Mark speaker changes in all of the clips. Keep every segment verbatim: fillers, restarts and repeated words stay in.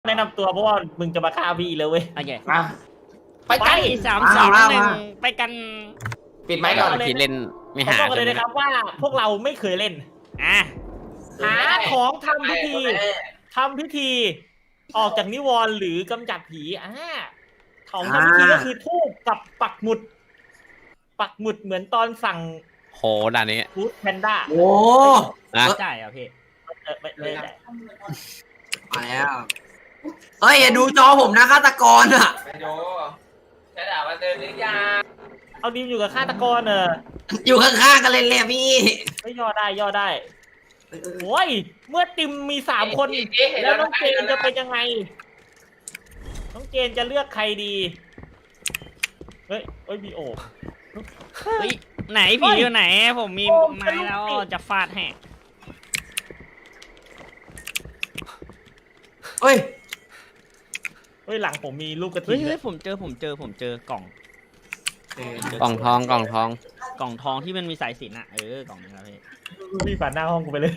Speaker 1: แนะนำตัวเพราะว่ามึงจะมาฆ่าพี่เลยเว้ย
Speaker 2: โอเค
Speaker 3: มา
Speaker 1: ไป
Speaker 2: ไปสามสองหนึ่งไปกัน
Speaker 3: ปิดไมค์ก่อน
Speaker 4: ที่เล่นไม่
Speaker 1: ขอ
Speaker 4: หา
Speaker 1: บอกเลยนะครับว่าพวกเราไม่เคยเล่น
Speaker 2: อ่ะ
Speaker 1: หาของทำพิธีทำพิธี ออกจากนิวรณ์หรือกำจัดผีอ่าของทำพิธีก็คือทูบกับปักหมุด ปักหมุดเหมือนตอนสั่ง
Speaker 4: โหด่านนี้
Speaker 1: ฟู้ดแพนด้า
Speaker 3: โอ้
Speaker 4: นะ
Speaker 2: ใช่เหรอพี่
Speaker 1: เออไม่ไม่ไม่
Speaker 3: มาแล้วเฮ้ยอย่าดูจอผมนะฆาตกรอ่ะ
Speaker 5: ไปดูจะด่ามันเดินหรือยัง
Speaker 1: เอาดิมอยู่กับฆาตกรเออ
Speaker 3: อยู่ข้างๆกันเลยเลยพี่
Speaker 1: ไม่ย่อได้ย่อได้โอ้ยเมื่อติมมีสามคนแล้วน้องเจนจะเป็นยังไงน้องเจนจะเลือกใครดีเฮ้ยเฮ้ยมีโอบ
Speaker 2: เฮ้ยไหนผีอยู่ไหน ผมมีไม้แล้วจะฟาดแหก
Speaker 3: เฮ้ย
Speaker 1: เฮ้ยหลังผมมีลูกกระ
Speaker 2: เฮ้
Speaker 1: ถิ่
Speaker 2: ย
Speaker 1: น
Speaker 2: เฮ้ยผมเจอผมเจอผมเจอกล่อง
Speaker 4: กล่องทองกล่องทอง
Speaker 2: กล่องทองที่มันมีสายสิญจน์อ่ะเออกล่องนี้ครับพี่
Speaker 1: พี่ผ่านหน้าห้องกูไปเลย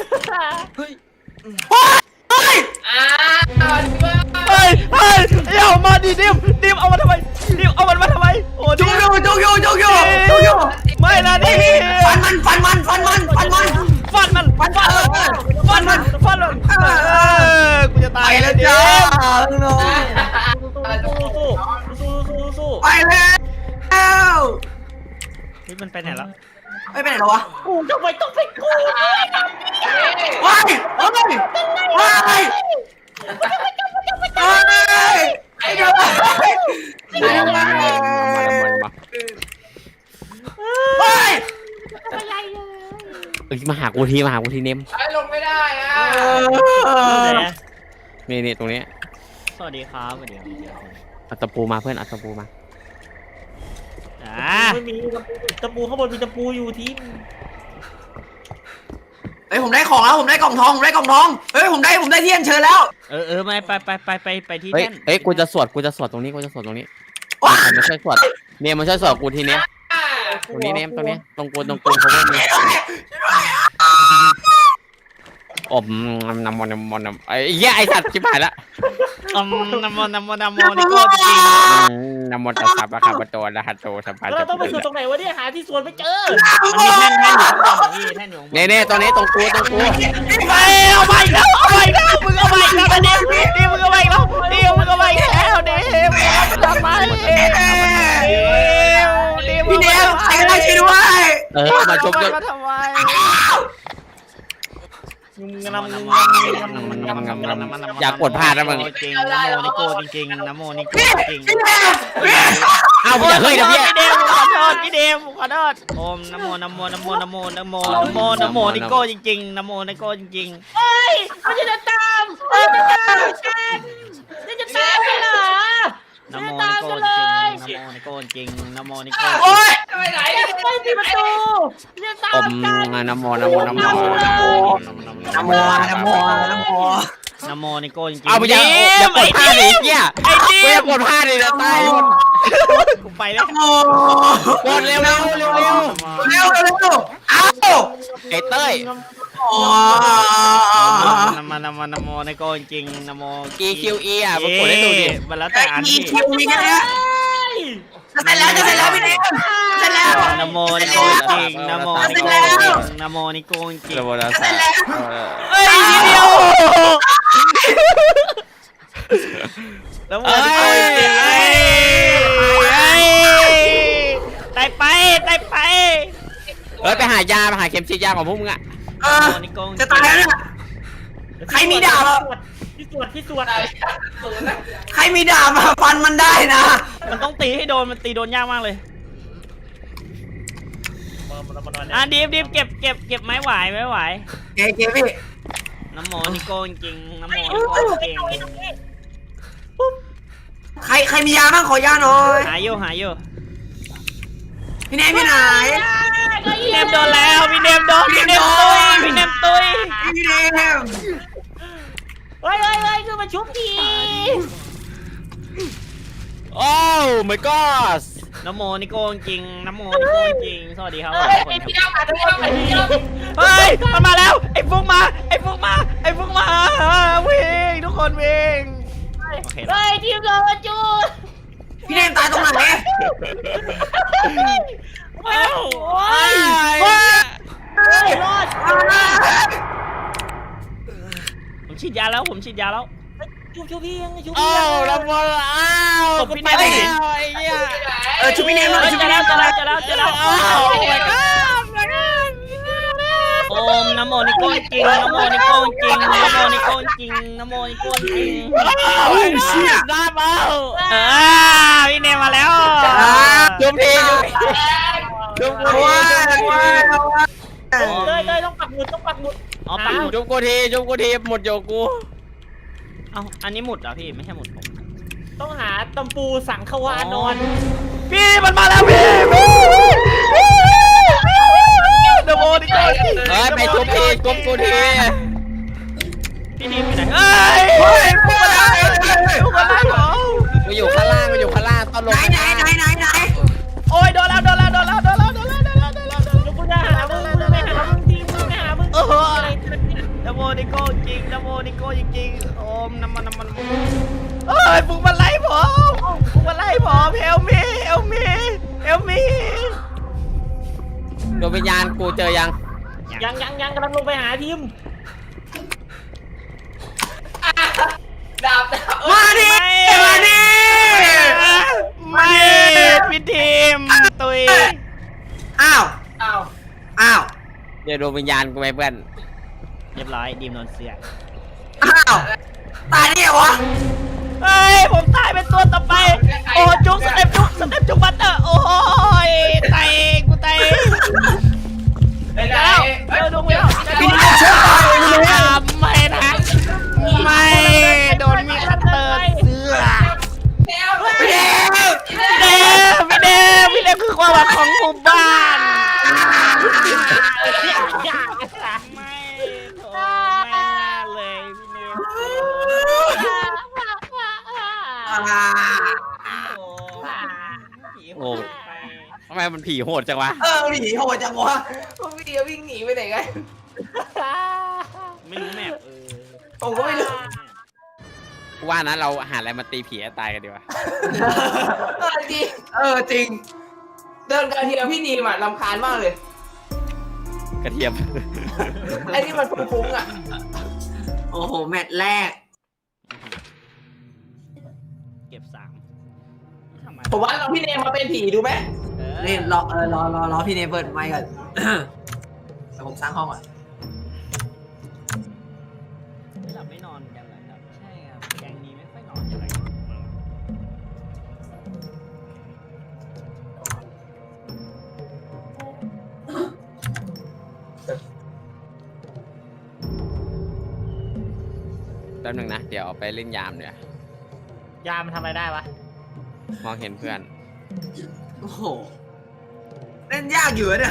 Speaker 5: อ้าวเพื่อน
Speaker 2: เฮ้ยเฮ้ยเอามาดิดิมดิมเอามาทำไมดิมเอามันมาทำไมโอ้
Speaker 3: จุ
Speaker 2: ดิ
Speaker 3: ก
Speaker 2: ม
Speaker 3: อยู่จุกอยู่จุกอยู่จุกอยู่
Speaker 2: ไม่นะดิ
Speaker 3: ฟันมันฟันมันฟันมันฟันมัน
Speaker 2: ฟันมันฟันมันฟันมันฟันมันเออกูจะ
Speaker 3: ไป
Speaker 2: ตาย
Speaker 3: แล้ว
Speaker 2: ดิ
Speaker 3: จ้า
Speaker 1: สู้สู้สู้สู้สู้
Speaker 3: ไปแล้ว
Speaker 2: เฮ้ยมันไปไหนแล้ว
Speaker 3: ไม่ไปไหนหรอวะ
Speaker 1: กูทำไมต้องเป็นกู
Speaker 3: ว้ายว้ายว้ายไอ้เด็กไอ้เด็ก
Speaker 4: มามามามา
Speaker 3: ว้าย
Speaker 4: เอ้ยมาหากูทีมาหากูทีเนม
Speaker 5: ไอ้ลงไม่ได้อ่ะ
Speaker 4: นี่นี่ตรงนี้
Speaker 2: สวัสดีครับสวัสดีครับ
Speaker 4: เอาตะปูมาเพื่อนเอาตะปูมา
Speaker 2: อ่า
Speaker 1: ไม่มีตะปูข้างบนมีตะปูอยู่ที่
Speaker 3: เฮ้ยผมได้ของแล้วผมได้กล่องทองผมได้กล่องทองเฮ้ยผมได้ผมได้เทียนเชิญแล้ว
Speaker 2: เออเออไม่ไปไปไปไปไปที่
Speaker 4: เฮ้ย
Speaker 2: แท่น
Speaker 4: เฮ้ยกูจะสวดกูจะสวดตรงนี้กูจะสวดตรงนี้
Speaker 3: ว้า
Speaker 4: มันช่วยสวดเนี่ยมันช่วยสวดกูทีเนี้ยตรงนี้เนมตรงนี้ตรงกูตรงกูเขาไม่มีอบน้ำมันน้ำมันน้ำไอ้แย่ไอ้สัตว์ชิบหายละ
Speaker 2: อืมนโมนโมนโมนี่โคตรจริง
Speaker 4: น้ำมันตะสับอะครับประตูละฮัตโตสัมผัส
Speaker 1: แล้วเราต้องไปสวดตรงไหนวะเนี่ยหาที่สวดไม่เจอ
Speaker 2: มันมีแท่นแท่นอยู่ข้างบนพี่แท่นอยู่ข้างบน
Speaker 4: เน่เน่ตรงนี้ตรงกูตรงกู
Speaker 2: ไปเอาไปแล้วเอาไปแล้วมึงเอาไปแล้วนะดิดิมึงเอาไปแล้วดิมึงเอาไปแล้วดิมึงเอาไปทำไมดิดิ
Speaker 3: พี่เดวใครก็ได้ช่วยด้วย
Speaker 4: เออมาจบ
Speaker 2: จ
Speaker 4: จ
Speaker 2: บบ มาทำไม
Speaker 1: งำงำง
Speaker 4: อยากกดพลาดนะมึง
Speaker 2: จริงนะโมนิโกจริงๆนะโมนิโกจริง
Speaker 3: พี่เดว
Speaker 4: เอ้าอย่าเฮ้ยนะพี่
Speaker 2: พี่เดมขอโทษพี่เดมขอโทษโอมนะโมนะโมนะโมนะโมนะโมนะโมนะโมนิโกจริงๆนะโมนิโกจริงๆ
Speaker 1: เฮ้ยมันจะตามมันจะตามกันมันจะตามกันเหรอ
Speaker 2: นะโมนิโกจริงนะโมนิโกจริงนะโมนิโก
Speaker 3: โอ้ย
Speaker 5: ไปไหน
Speaker 1: ไม่ปิดประตูจะตา
Speaker 4: อ
Speaker 1: ม
Speaker 4: ม
Speaker 1: กัน
Speaker 4: นะโมนะโมนะโมนะโม
Speaker 3: นะโมนะโมนะโม
Speaker 2: นะโมนิโกจริงๆ
Speaker 4: เอาไปอย่าอย่ากดพลาดดิเหี้ย
Speaker 2: ไอ้ดิ
Speaker 4: กูอย่ากดพลาดดิจะตายหมด
Speaker 2: กูไปแล้ว
Speaker 3: โอ้
Speaker 4: กดเร็วเร็วเร็วเร็ว
Speaker 3: เร็วเร็วเอ้า
Speaker 4: ไอ้เต้ย
Speaker 3: โอ้
Speaker 2: นะโมนะโมนะโมนิโกจริงๆนะโม
Speaker 4: E Q E อ่ะมากดให้ดูดิ
Speaker 2: มันแล้วแต่อัน
Speaker 3: อี
Speaker 2: ที่
Speaker 3: คิวมีแค่นี้จะเสร็จแล้วจะเสร็จแล้วพี่เดวเสร็จแล้ว
Speaker 2: นะโมนิโกจริงนะโมนิโกนะโมนิโกจริง
Speaker 4: ระบบรักษา
Speaker 2: เฮ้ยทีเดียวนะโมนิโกจริงไอ้ไอ้ตายไปตายไป
Speaker 4: เอ้ยไปหายาไปหาเข็มฉีดยาของพวกมึงอ่ะ
Speaker 3: เออจะตายแล้วเนี่ยใครมีดาบ
Speaker 1: ที่สวดที่สวด
Speaker 3: ใครมีดาบมาฟันมันได้นะ
Speaker 2: มันต้องตีให้โดนมันตีโดนยากมากเลย อ่ะดิฟดิฟเก็บเก็บเก็บไม้ไหวไม้ไหว
Speaker 3: เก๋เก๋พี่
Speaker 2: น้ำโมนิโกจริงน้ำโมนิโกจริง
Speaker 3: ใครใครมียาบ้างขอยาหน่อย
Speaker 2: หายอยู่หายอยู่
Speaker 3: พี่เนมพี่ไหน
Speaker 2: พี่เนมโดนแล้วพี่เนมโดนพี่เนมตุยพี่เนมตุย
Speaker 3: พี่เนม
Speaker 1: เฮ้ยเฮ้ยเฮ้ยคือมาชุบที
Speaker 4: โอ้ my god
Speaker 2: น้ำโมนิโก้จริงน้ำโมนิโก้จริงสวัสดีครับ
Speaker 5: เฮ้ย
Speaker 2: ทุกคน
Speaker 5: ไอ้พี่เอามาพี่เอามาพี่เอา
Speaker 2: เฮ้ยมันมาแล้วไอ้ฟุกมาไอ้ฟุกมาไอ้ฟุกมาวิ่งทุกคนวิ่งโอเค
Speaker 1: เฮ้ยทีมเราจู
Speaker 3: พี่เนมตายตรงไหน
Speaker 1: เฮ้ยโอ้ย
Speaker 2: เฮ้ย
Speaker 1: เฮ้ยรอด
Speaker 2: ผมฉีดยาแล้วผมฉีดยาแล้ว
Speaker 1: ชูชูพี่ยังชูพี่
Speaker 4: อ้า
Speaker 1: ยัง
Speaker 4: วแล้วบอลอ้าวกูไปแล้วไอ้เหี้ย
Speaker 3: เออชุบพี่เนมหน่อย
Speaker 2: เฮ้ย
Speaker 3: ชุบ
Speaker 2: เจอ
Speaker 3: พี่เน
Speaker 2: แล้ว
Speaker 3: ม
Speaker 2: เจอแล้วเจอแล้วเจอแล้ว
Speaker 4: อ้าว my god
Speaker 2: โอมน้ำโมนิโก้จริงน้ำโมนิโก้จริงน้ำโมนิโก้จริงน้ำโมนิโก้จริง
Speaker 3: โอ้ยเชี่ย
Speaker 4: ได้เปล่า
Speaker 2: เออพี่เนมมาแล้ว
Speaker 4: จุบทีจุบทีจุบกู
Speaker 3: เอา
Speaker 4: ที
Speaker 3: ว่า
Speaker 4: จุบกู
Speaker 3: ว่า
Speaker 4: ที
Speaker 1: เลยเลยต้องปักหมุดต้องปักหมุด
Speaker 2: อ๋อปักหมุด
Speaker 4: จุบกูทีจุบกูทีหมดโยกู
Speaker 2: เอ้าอันนี้หมุดเหรอพี่ไม่ใช่หมุดผม
Speaker 1: ต้องหาตำปูสังขวานอน
Speaker 2: พี่มันมาแล้วพี่พี่น้ำโมนิโก้จริง
Speaker 4: เฮ้ยไปจุบทีจุบกูที
Speaker 2: พี่ดีมอยู่ไหนเฮ้ยพวกอะไรพวกอะไรเหรอ
Speaker 4: กูอยู่ข้างล่างกูอยู่ข้างล่างต้องลง
Speaker 3: ไหนไหนไหนไหนไหน
Speaker 2: โอ้ยโดนแล้วโดนแล้วโดนแล้วโดนแล้วโดนแล้วโดนแล้วโดนแล้วโดนแล้ว
Speaker 1: แล้วกูจะหามึงมึงไม่หามึงทีมึงไม่หามึง
Speaker 2: โอ้โหน้ำโมนิโก้จริงน้ำโมนิโก้จริงๆโอมน้ำมันน้ำมันเอ้ยฟุกมันไล่ผมฟุกมันไล่ผมเฮลมีเฮลมีเฮลมี
Speaker 4: ดวงวิญญาณกูเจอยัง
Speaker 1: ยังยังยังกำลังลงไปหาทีม
Speaker 5: ดาบดาบ
Speaker 3: มาดิมาดิ
Speaker 2: ไม่พี่ทีมตุย
Speaker 3: อ้าว
Speaker 5: อ้าว
Speaker 3: อ้าว
Speaker 4: เดี๋ยวดวงวิญญาณกูไปเพื่อน
Speaker 2: เรียบร้อยดีมโดนเสีย
Speaker 3: อ้าวตายเนี่ยวะ
Speaker 2: เฮ้ยผมตายเป็นตัวต่อไปโอ้จุกสเต็ปจุกสเต็ปจุกบัตเตอร์โอ้ยตายกูตาย
Speaker 5: ไปไหน
Speaker 2: เจอดวงวิญญาณ
Speaker 3: พี่เนมช่วยหน่อย
Speaker 2: ไม่นะไม่โดนมีดคัตเตอร์เสือ
Speaker 5: แนว
Speaker 3: พี่เนม
Speaker 2: พี่เดมพี่เดมพี่เดมคือความหวังของหมู่บ้านไม่โถไม่น่าเลยพี่เดม
Speaker 3: อ่า
Speaker 2: โอ้ผีโหดไป
Speaker 4: ทำไมมันผีโหดจังวะ
Speaker 3: เออหนีโหดจังวะ
Speaker 5: พวกพี่เดียววิ่งหนีไปไหนกัน
Speaker 2: ไม่รู้แมพเออ
Speaker 5: ผมก็ไม่รู้
Speaker 4: กูว่านะเราหาอะไรมาตีผีให้ตายกันดีกว่า
Speaker 5: เออจริง
Speaker 3: เออจริง
Speaker 5: เดินกันทีเดียวพี่นีมอ่ะรำคาญมากเลย
Speaker 4: กระเทียม
Speaker 5: ไอ้นี่มันฟุ้งๆอ่ะ
Speaker 3: โอ้โหแมตช์แรก
Speaker 2: เก็บสามทำไม
Speaker 5: ผมว่าเราพี่เนมมาเป็นผีดูไหม
Speaker 2: เออ
Speaker 3: นี่รอเออรอรอรอพี่เนมเปิดไมค์ก่อนเดี๋ยวผมสร้างห้องก่อน
Speaker 2: ไม่หลับไม่นอนกันเลยครับใช่ครับแกงนี้ไม่ค่อยนอนอะไร
Speaker 4: แป๊บนึงนะ เดี๋ยวเอาไปเล่นยามเดี๋ยวย
Speaker 1: ามันทำอะไรได้วะ
Speaker 4: มองเห็นเพื่อน
Speaker 3: โอ้โหเล่นยากอยู่อะเนี่ย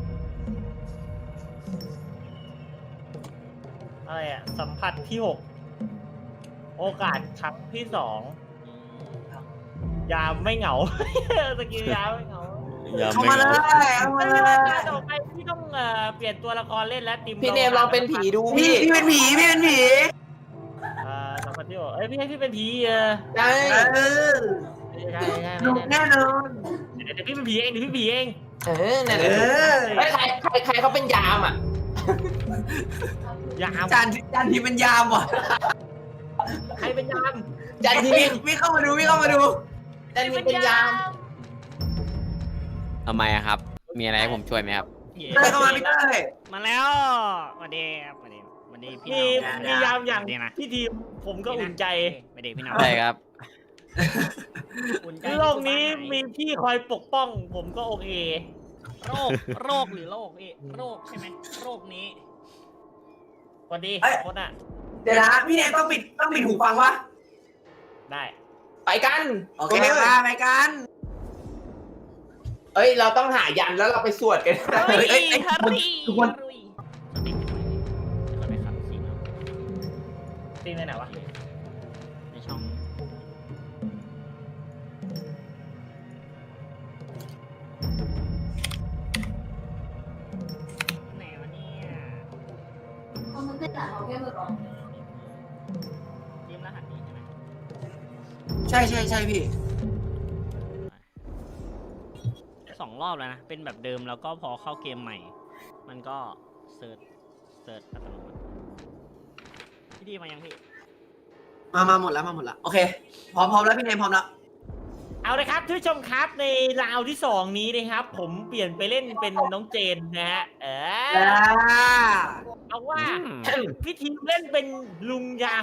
Speaker 1: อะไรอะสัมผัสที่หกโอกาสครั้งที่สองยามไม่เหงา สกิลยามไม่เหงา
Speaker 3: เข้ามาเลยเข้ามา
Speaker 1: ไม่
Speaker 3: เล
Speaker 1: เป็นไร
Speaker 3: ย
Speaker 1: ต่อไปพี่ต้องเอ่อเปลี่ยนตัวละครเล่นแล้วติม
Speaker 5: พี่เนมลองเป็นผีดู
Speaker 3: พี่
Speaker 5: พี่
Speaker 3: พี่เป็นผีพี่เป็นผี
Speaker 1: เอ่อสัมผัสที่หกเอ้ยพี่ให้พี่เป็นผีเออ
Speaker 5: ใช่
Speaker 3: เออ
Speaker 1: ใช่ใช่
Speaker 3: หนุกแน่นอน
Speaker 1: เดี๋ยวเดี๋ยวพี่เป็นผีเองเดี๋ยวพี่ผีเอง
Speaker 5: เออนั่นแห
Speaker 3: เอ
Speaker 5: ละ
Speaker 3: อ
Speaker 5: ไม่ใครใครใครเขาเป็นยามอ่ะ
Speaker 1: ยาม
Speaker 3: จานจานทีเป็นยามว่ะ
Speaker 1: ใครเป็นยาม
Speaker 5: จันที
Speaker 3: พี่พี่เข้ามาดูพี่เข้ามาดู
Speaker 5: จันทีเป็นยาม
Speaker 4: ทำไมอะครับ มีอะไรให้ผมช่วยไหมครับ
Speaker 2: เย้
Speaker 3: เต้ยเข้ามาพี่เต้ย
Speaker 2: มาแล้วสวัสดีครับสวัสดีสวัสดีพี่
Speaker 1: มี
Speaker 2: น้อง
Speaker 1: มียามอย่าง
Speaker 2: สวัสดีนะ
Speaker 1: พี่ทีมผมก็อุ่นใจ
Speaker 2: สวัสดีพี่น้อง
Speaker 4: ใช่ครับ
Speaker 2: อุ่นใจ
Speaker 1: โลกนี้มีพี่คอยปกป้อง ผมก็โอเค
Speaker 2: โรคโรคหรือโรคพี่โรคใช่ไหมโรคนี้
Speaker 1: สวัสดีคนอ่ะ
Speaker 3: เดี๋ยวนะพี่เนมต้องปิดต้องปิดหูฟังวะ
Speaker 1: ได้
Speaker 5: ไปกัน
Speaker 3: โอเคมาไปกัน
Speaker 5: เอ้ยเราต้องหายันแล้วเราไปสวดกัน
Speaker 2: เฮ้ย
Speaker 3: เอ้ยเอ้ย
Speaker 2: ฮารี
Speaker 3: ทุกคน
Speaker 2: ฮารีสติกันหน่อยเดี๋ยวเราไปขับสีเนาะ
Speaker 1: ตีในไหนวะ
Speaker 2: ในช่อง
Speaker 3: ใช่ใช่ใช่พี่
Speaker 2: สองรอบแล้วนะ เป็นแบบเดิมแล้วก็พอเข้าเกมใหม่ มันก็เซิร์ชเซิร์ชอัตโนมัติพี่ดีมายังพี่
Speaker 3: มามาหมดแล้วมาหมดแล้วโอเคพร้อมพร้อมแล้วพี่เนมพร้อมแล้ว
Speaker 1: เอาละครับท่านผู้ชมครับในราวที่สองนี้นะครับ ผมเปลี่ยนไปเล่นเป็นน้องเจนนะฮะเออเอาว่าพี่ทีมเล่นเป็นลุงยาว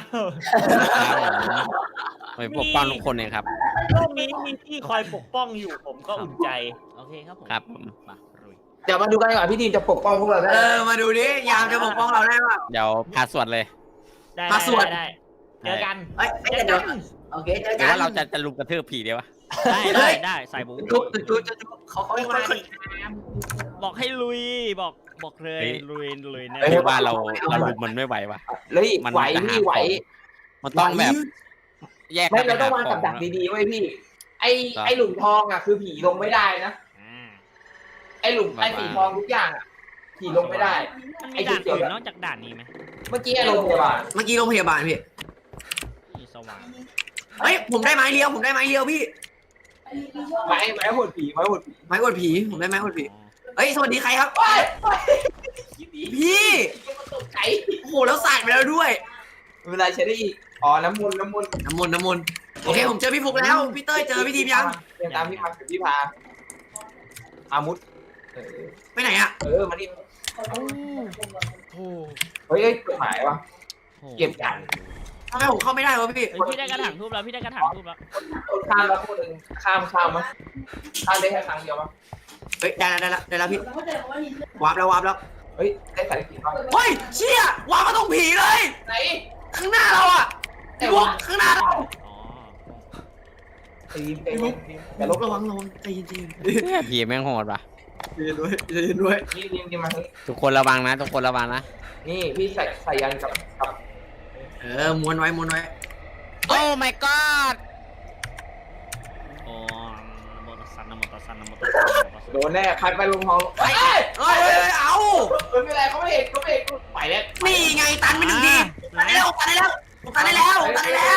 Speaker 4: ไปปกป้องทุกคนเลยครับ
Speaker 1: โลกนี้มีที่คอยปกป้องอยู่ผมก็อุ่นใจ
Speaker 2: โอเคครับผม
Speaker 4: ครับผม
Speaker 2: มาลุย
Speaker 5: เดี๋ยวมาดูกันดีกว่าพี่ทีมจะปกป้องพวกเราได้
Speaker 3: เออมาดูดิยามจะปกป้องเราได้ป่ะ
Speaker 4: เดี๋ยวพาสวดเลย
Speaker 1: ได้
Speaker 3: มาสวด
Speaker 1: ได้ได้เจอกัน
Speaker 3: เอ้ย
Speaker 1: เจ
Speaker 3: เดี๋
Speaker 1: อ
Speaker 3: ยว
Speaker 1: กัน
Speaker 3: โอเคเจอ
Speaker 4: หรื
Speaker 3: กั
Speaker 4: อน ว่าเราจะจะลุมกระทืบผีดีวะ
Speaker 2: ได้ได้ได้ใส่บู
Speaker 3: จุ๊บจุ๊บจุ๊บจุ๊บเขาเขา
Speaker 1: ไม่
Speaker 3: เขา
Speaker 1: มา
Speaker 3: เขา
Speaker 1: ดิครับ
Speaker 2: บอกให้ลุยบอกบอกเลย
Speaker 4: เฮ้ย
Speaker 2: ลุยลุยแน่
Speaker 4: หรือว่าเราเราลุมมันไม่ไหววะ
Speaker 5: เลย
Speaker 4: มัน
Speaker 5: ไหว
Speaker 4: จะหา
Speaker 5: พี่ไหว
Speaker 4: ของ มันต้องแบบ แยก
Speaker 5: ไม่
Speaker 4: กันไป
Speaker 5: เราต้อ
Speaker 4: หาง
Speaker 5: วาง
Speaker 4: ข
Speaker 5: กั
Speaker 4: อบ ง
Speaker 5: ดัก
Speaker 4: นะ
Speaker 5: ดีๆไว้พี่ ไอ้
Speaker 4: ครับ
Speaker 5: ไอ้หลุมทองอ่ะคือผีลงไม่ได้นะ
Speaker 2: อ่า
Speaker 5: ไอ้หลุมไอ้สีทองทุกอย่างอ่ะผีลงไม่ได้
Speaker 2: มัน
Speaker 5: ไอ้
Speaker 2: มี
Speaker 5: จุ
Speaker 2: ด่า
Speaker 5: ด
Speaker 2: น
Speaker 5: เดียว
Speaker 2: อื่นนอกจากด่านนี้ไหม
Speaker 5: เมื่อกี้ไอ้โรงพยาบาล
Speaker 3: เมื่อกี้โรงพยาบาลพี่
Speaker 2: มีสว่าง
Speaker 3: เฮ้ยผมได้ไม้เลี้ยวผมได้ไม้เลี้ยวพี่
Speaker 5: ไม้ไม้หดผีไม้หดผี
Speaker 3: ไม้กดผีผมได้ไม้กดผี
Speaker 2: อ๋อ
Speaker 3: เฮ้ยสวัสดีใครครับ
Speaker 5: ไปไป
Speaker 3: พี่
Speaker 5: มันตกใจ
Speaker 3: โอ้โหแล้วสาดไปแล้วด้วย
Speaker 5: เวลาใช้ได้อีกอ๋อน้ำมนต์น้ำมนต์
Speaker 3: น้ำมนต์น้ำมนต์โอเคผมเจอพี่ฟุกแล้วพี่เต้ยเจอพี่ทีมยัง
Speaker 5: เดินตามพี่พักกับพี่พาอามุดเออ
Speaker 3: ไปไหนอะ
Speaker 5: เออมาดิ
Speaker 2: โอ้โห
Speaker 5: เฮ้ยเฮ้ยกฎหมายวะ เก็บจาน
Speaker 3: ทำไมผมเข้าไม่ได้วะพี่
Speaker 2: เฮ้ยพี่ได้กระถางทูบแล้วพี่ได้กระถางทูบแล้ว
Speaker 5: คนข้ามแล้วคนหนึ่งข้ามข้ามมั้ยข้ามได้แค่ครั้งเดียวมั้ย
Speaker 3: เฮ้ยได้แล้วได้แล้วได้แล้วพี่วาร์ปแล้ววาร์ปแล้ว
Speaker 5: เฮ้ยได้สายสีบ้าง
Speaker 3: เฮ้ยเชี่ยวาร์ปมาตรงผีเลย
Speaker 5: ไหน
Speaker 3: ข้างหน้าเราอะพี่ฟุกข้างหน้าเรา
Speaker 2: อ๋อ
Speaker 5: ตีมเต็
Speaker 3: พี่
Speaker 5: ม
Speaker 3: ฟุก
Speaker 5: ทีม
Speaker 3: อย่าลบระวังระวังใจเย็นใจเย็นใจ
Speaker 4: ผีแม่งโหดปะ
Speaker 3: เย็นด้วยใจเย็นด้วย
Speaker 5: ทีมทีมทีมมาเฮ้ย
Speaker 4: ทุกคนระวังนะ ทุกคนระวังนะ
Speaker 5: นี่พี่ใส่ใส่ยันกับกับ
Speaker 3: เออม้วนไว้ม้วนไว้
Speaker 4: โอ้ my god
Speaker 2: โอ้นะโมตัสสะนะโมตัสสะนะโมตัสสะนะโมตัสสะ
Speaker 5: โดนแน่พัดไปลงทองเฮ้ย
Speaker 3: เฮ้ยเฮ้ยเฮ้ยเอา
Speaker 5: เฮ้ยไม่เป็นไรเขาไม่เห็นเขาไม่เห็นไปแล้ว
Speaker 3: นี่ไงตันไปหนึ่งทีตันได้แล้วตันได้แล้วตันได้แล้วตันได้แล้ว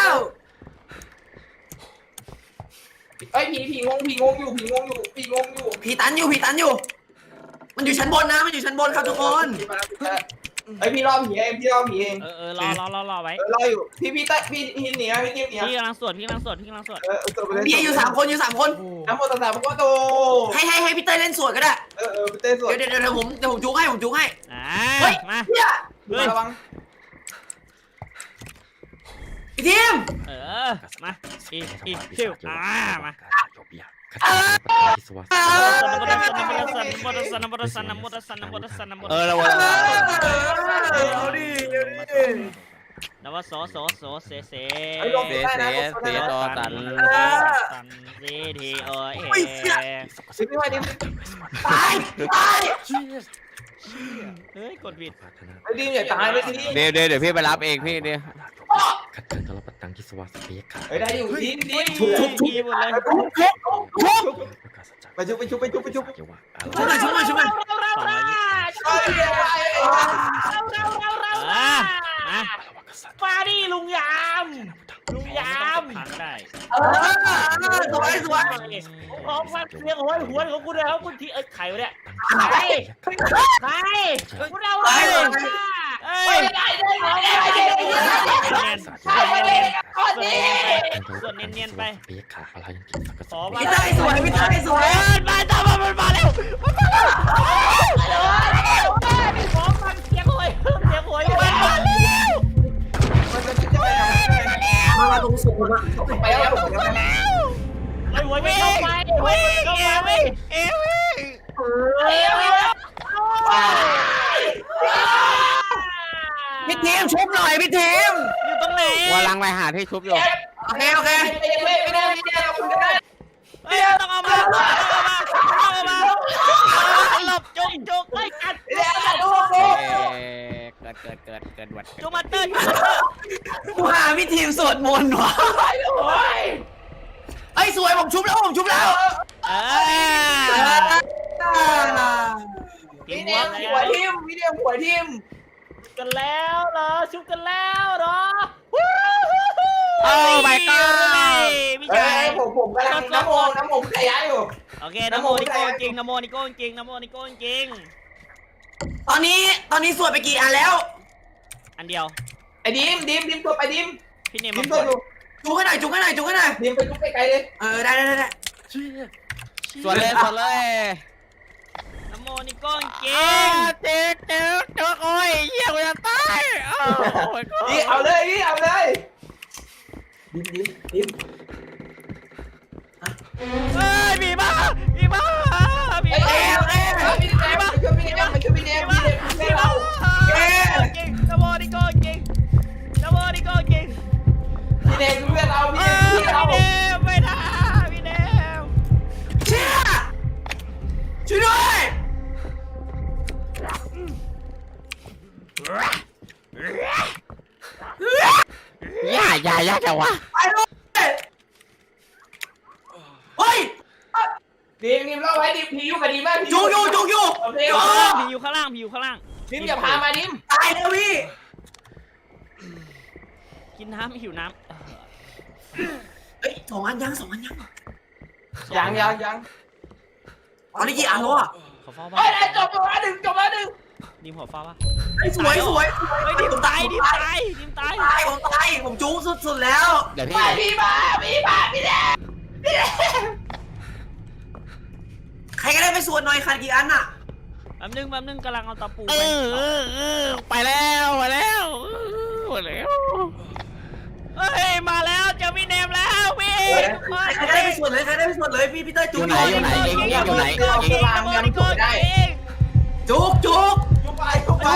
Speaker 5: เฮ้ยผีผีงงผีงงอยู่ผีงงอยู่ผีงงอยู่
Speaker 3: ผีตันอยู่ผีตันอยู่ มันอยู่ชั้นบนนะมันอยู่ชั้นบนครับทุกคน
Speaker 5: เฮ้ยพี่รอผีเองพี่รอผีเอง
Speaker 2: เออเออรอรอรอรอไว้
Speaker 5: เออรออยู่พี่พี่เต้พี่พี่เหนียวพี่ทีมเหนียว
Speaker 2: พี่กำลังสวดพี่กำลังสวดพี่กำลังสวด
Speaker 5: เออตัวไปเลย
Speaker 3: พี่อยู่สามคนอยู่สามคน
Speaker 5: น้ำโมตัสสะพระพุทธโต
Speaker 3: ให้ให้ให้พี่เต้ยเล่นสวดก็ได้
Speaker 5: เออเออพี่เต้สวด
Speaker 3: เดี๋ยวเดี๋ยวเดี๋ยวผมเดี๋ยวผมจุกให้ผมจุกให้
Speaker 2: อ่า
Speaker 3: เฮ้ย
Speaker 2: มา
Speaker 3: เนี่ย
Speaker 2: เฮ้ย
Speaker 5: ระวัง
Speaker 3: พี่ทีม
Speaker 2: เออมาอีอีคิวอ่ามา
Speaker 3: เออ
Speaker 2: นะโมตัสสะนะโมตัสสะนะโมตัสสะนะโมตัสสะนะโมตัสสะนะโมตัสสะนะโมตัสสะนะโมตัสสะ
Speaker 4: เออระวัง
Speaker 3: เอาดิเอาดิ
Speaker 2: นะว่าโสโสโสเสเส
Speaker 4: เสียเสียเสียต่อตัน
Speaker 2: ตันซีทีโอเอ
Speaker 5: สิพี่ไว้ดิ
Speaker 3: ตายตาย
Speaker 2: เฮ้ยกดผิด
Speaker 5: ไอ้ดิมอย่าตายเลยทีนี้
Speaker 4: เดี๋ยวเดี๋ยวเดี๋ยวพี่ไปรับเองพี่เดี๋ยว
Speaker 6: ขัดเกินตลอดปัตตังกิสวาสเปียขา
Speaker 5: เฮ้ยได้อยู่ดิมดิ
Speaker 2: เฮ้ย
Speaker 5: ม
Speaker 2: ทีหมดเลย
Speaker 5: ทุบทุบทุบ
Speaker 6: ประกาศสัจจะ
Speaker 5: ไปชุบไปชุบไปชุบไปชุบ
Speaker 6: เกี่ยวว่า
Speaker 3: ชุบหน่อยชุบหน่อยชุบหน่อย
Speaker 1: เราเราเรา
Speaker 5: เฮ้ยเดี๋ยวไป
Speaker 1: เราเราเราเรา
Speaker 2: อ่ามา
Speaker 1: มาดิลุงยามลุงยาม
Speaker 2: ผ่านได้
Speaker 3: เออสวยสวย
Speaker 1: ของฟันเสียงโหยหวนของคุณเลยครับคุณทีเอ้ยใครวะเนี่ยใครใครคุณเอาเลย
Speaker 2: เอ้ย
Speaker 5: ได้ได้ได้ได้ได้
Speaker 2: เนียน
Speaker 5: ใช่ได้ก่อนดิ
Speaker 2: ส่วนเนียนๆไป
Speaker 6: เปียขาอะไรยังกินสักกระ
Speaker 1: ข
Speaker 6: ส
Speaker 1: อ
Speaker 6: อบ
Speaker 1: มา
Speaker 3: พี่เต้ยสวยพี่เต้ยสวย
Speaker 2: เอ้ยมาตามมามันมาแล้วมันมาแล้ว
Speaker 1: ของฟันเสียงโหยเสียงโหยมันมาแล้ว
Speaker 5: มันจะจะไปทำ
Speaker 3: มามาตรงสุดมา
Speaker 5: ไปแล้วผมจะไปแล้ว
Speaker 1: ไอ้หวยไม่เข้าไปหวยไม่เข้าไป
Speaker 2: เอ้ย
Speaker 1: เอ้ย
Speaker 3: พี่ทีมชุบหน่อยพี่ทีม
Speaker 2: อยู่ตรงไหน
Speaker 4: ว่าลังไปหาที่ชุบอยู่
Speaker 3: โอเคโอเค
Speaker 5: ไม่ได้ไม่ได้ไม่ได้เราคุณจะได้
Speaker 2: เฮ้ยต้องเอามาต้องเอามาต้องเอามาหลบจุกจุก
Speaker 1: ไล่กัด
Speaker 5: ไม่ได้ดูดู
Speaker 4: เอ่อเกิดเกิดเกิดเกิดวัด
Speaker 2: จุกมาเตอร์จุกมาเตอร์
Speaker 3: กูหาพี่ทีมสวดมนต์วะ
Speaker 5: ไปเลย
Speaker 3: ไอ้ยสวยผมชุบแล้วผมชุบแล้ว
Speaker 2: เออ
Speaker 5: พี่เนมหัวทิมพี่เนมหัวทิม
Speaker 1: กันแล้วเหรอชุบกันแล้วเหรอ
Speaker 4: โอ้ my god
Speaker 2: มี
Speaker 5: กำลังน้ำโมน้ำโมขยายอยู่
Speaker 2: โอเคนโมนิโก้จริงนโมนิโก้จริงนโมนิโก้จริง
Speaker 3: ตอนนี้ตอนนี้สวดไปกี่อันแล้ว
Speaker 2: อันเดียว
Speaker 5: ไอ้ดิมดิมดิมตัวไปดิม
Speaker 2: พี่เนม
Speaker 5: ดิ
Speaker 2: มาม
Speaker 5: ตัวดู
Speaker 3: จุกให้หน่อยจุกให้หน่อยจุกให้หน่อย
Speaker 5: ดิมไปลุกไกลๆเลย
Speaker 3: เออได้ได้ได้ได้
Speaker 4: สวนเลยสวนเลย
Speaker 2: นโมนิโก้จริ
Speaker 4: อ้าง เจ๊เจ๊เจ๊โอ้ยเหี้ยกูจะตายอ้าวโอ้ย
Speaker 5: นี่เอาเลยนี่เอาเลยดิมดิมดิม
Speaker 2: เฮ้ยมีบ้ามีบ้ามี
Speaker 5: ไอ้
Speaker 2: บ้า
Speaker 5: เอวเอวพี่เนมมาช่วยพี่เนมมาช่วยพี่เนมพี่เนมช่วยเรา
Speaker 2: จริงนโมนิโก้จริงนโมนิโก้จริง
Speaker 5: พี่เนมเพื่อนเราพี่
Speaker 2: เอ
Speaker 5: เนม
Speaker 2: อ
Speaker 5: เพื่อนเรา
Speaker 2: พี่เนมไม่ได้พี่เนม
Speaker 3: เชี่ยช่วยด้วย
Speaker 4: ย่าย่าย่าจังวะ
Speaker 3: ไปด้วยเฮ้ย
Speaker 5: ดิมดิมเราไว้ดิมผีอยู่กับดิมมาก
Speaker 3: จุกอยู่จุกอยู่
Speaker 5: โอเค
Speaker 2: ผีอยู่ข้างล่างผีอยู่ข้างล่าง
Speaker 5: ดิมอย่าพามาดิม
Speaker 3: ตายแล้วพี่
Speaker 2: กินน้ำหิวน้ำ
Speaker 3: เอ้ยสองอันยังสองอันยัง
Speaker 5: ยังยังยัง
Speaker 3: ตอนนี้กี่อันแล้วอ่ะ
Speaker 2: ขอเฝ้าบ้า
Speaker 5: เฮ้ยจบจบแล้วหนึ่งจบแล้วหนึ่ง
Speaker 2: ดิมขอเฝ้าบ้า
Speaker 3: ไอ้สวยสวย
Speaker 2: เฮ้ยดิมตายดิมตายดิมตาย
Speaker 3: ตายผมตายผมจุกสุดๆแล้ว
Speaker 4: เดี๋ยว
Speaker 5: ไป
Speaker 4: พี่
Speaker 5: พี่มาพี่มาพี่เนมพี่เนม
Speaker 3: ใครก็ได้ไปสวดหน่อยขาดกี่อันอ่ะ
Speaker 2: แป๊บนึงแป๊บนึงกำลังเอาตะปู
Speaker 4: เอ
Speaker 2: ไป
Speaker 4: อเออเออไปแล้วไปแล้วไปแล้ว
Speaker 2: เฮ้ยมาแล้วเจอพี่เนมแล้วพี่ทุกคน
Speaker 3: ใครก็ได้ไปสวดเลยใครได้ไปสวดเลยพี่พี่เต้ย
Speaker 4: อ
Speaker 3: จุก
Speaker 4: ยู่ไหนอยู่ไหนเองเงียบอยู่ไหน
Speaker 2: นโมนิโก้จริงนโมนิโก้จริง
Speaker 3: จุกจุก
Speaker 5: จุกไปจุกไป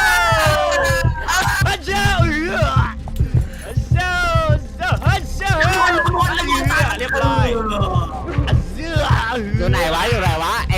Speaker 2: ฮัจเจ้าเอือฮัจเจ้าฮัจเจ้า
Speaker 3: น้ำมนต์น้ำมนต์น้ำมนต์
Speaker 2: เรียบร้อยฮัจเจ้า
Speaker 4: อยู่ไหนวะอยู่ไหนวะ